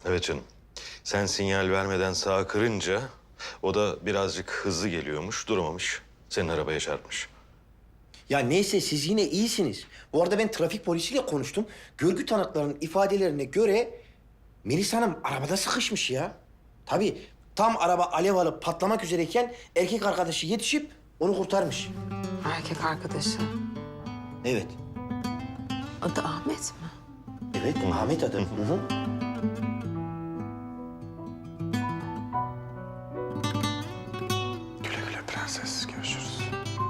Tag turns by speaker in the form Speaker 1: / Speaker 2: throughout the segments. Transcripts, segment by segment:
Speaker 1: Evet canım. Sen sinyal vermeden sağa kırınca o da birazcık hızlı geliyormuş, duramamış. Senin arabaya çarpmış.
Speaker 2: Ya neyse siz yine iyisiniz. Bu arada ben trafik polisiyle konuştum. Görgü tanıklarının ifadelerine göre Melis Hanım arabada sıkışmış ya. Tabii tam araba alev alıp patlamak üzereyken erkek arkadaşı yetişip onu kurtarmış.
Speaker 3: Erkek arkadaşı.
Speaker 2: Evet.
Speaker 3: Adı Ahmet mi?
Speaker 2: Evet, Ahmet adı. Hı hı.
Speaker 4: Güle güle prenses. Görüşürüz.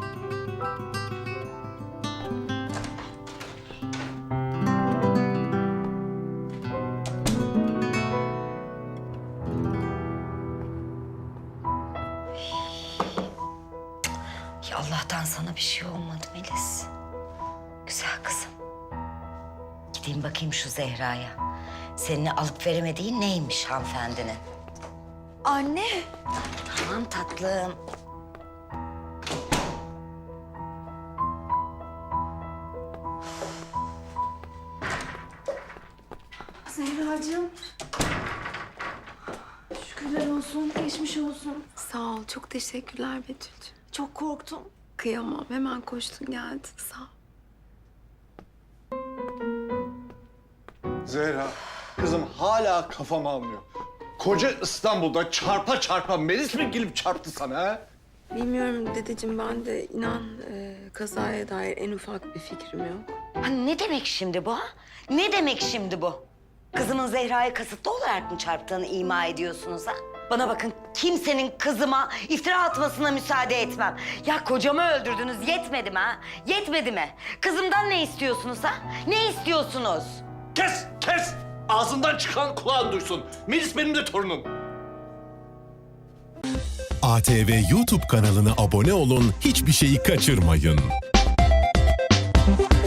Speaker 5: Ya Allah'tan sana bir şey olmadı Melis. Güzel kızım. Gideyim bakayım şu Zehra'ya. Seninle alıp veremediğin neymiş hanımefendinin?
Speaker 6: Anne.
Speaker 5: Tamam tatlım.
Speaker 6: Zehracığım. Şükürler olsun, geçmiş olsun.
Speaker 3: Sağ ol. Çok teşekkürler Betül'cüğüm.
Speaker 6: Çok korktum.
Speaker 3: Kıyamam. Hemen koştun geldin. Sağ ol.
Speaker 4: Zehra, kızım hala kafam almıyor. Koca İstanbul'da çarpa çarpa Melis mi gelip çarptı sana ha?
Speaker 3: Bilmiyorum dedeciğim, ben de inan kazaya dair en ufak bir fikrim yok.
Speaker 5: Ha, ne demek şimdi bu ha? Ne demek şimdi bu? Kızımın Zehra'ya kasıtlı olarak mı çarptığını ima ediyorsunuz ha? Bana bakın, kimsenin kızıma iftira atmasına müsaade etmem. Ya kocamı öldürdünüz, yetmedi mi ha? Yetmedi mi? Kızımdan ne istiyorsunuz ha? Ne istiyorsunuz?
Speaker 4: Kes, kes! Ağzından çıkan kulağın duysun. Melis benim de torunum.
Speaker 7: ATV YouTube kanalına abone olun, hiçbir şeyi kaçırmayın.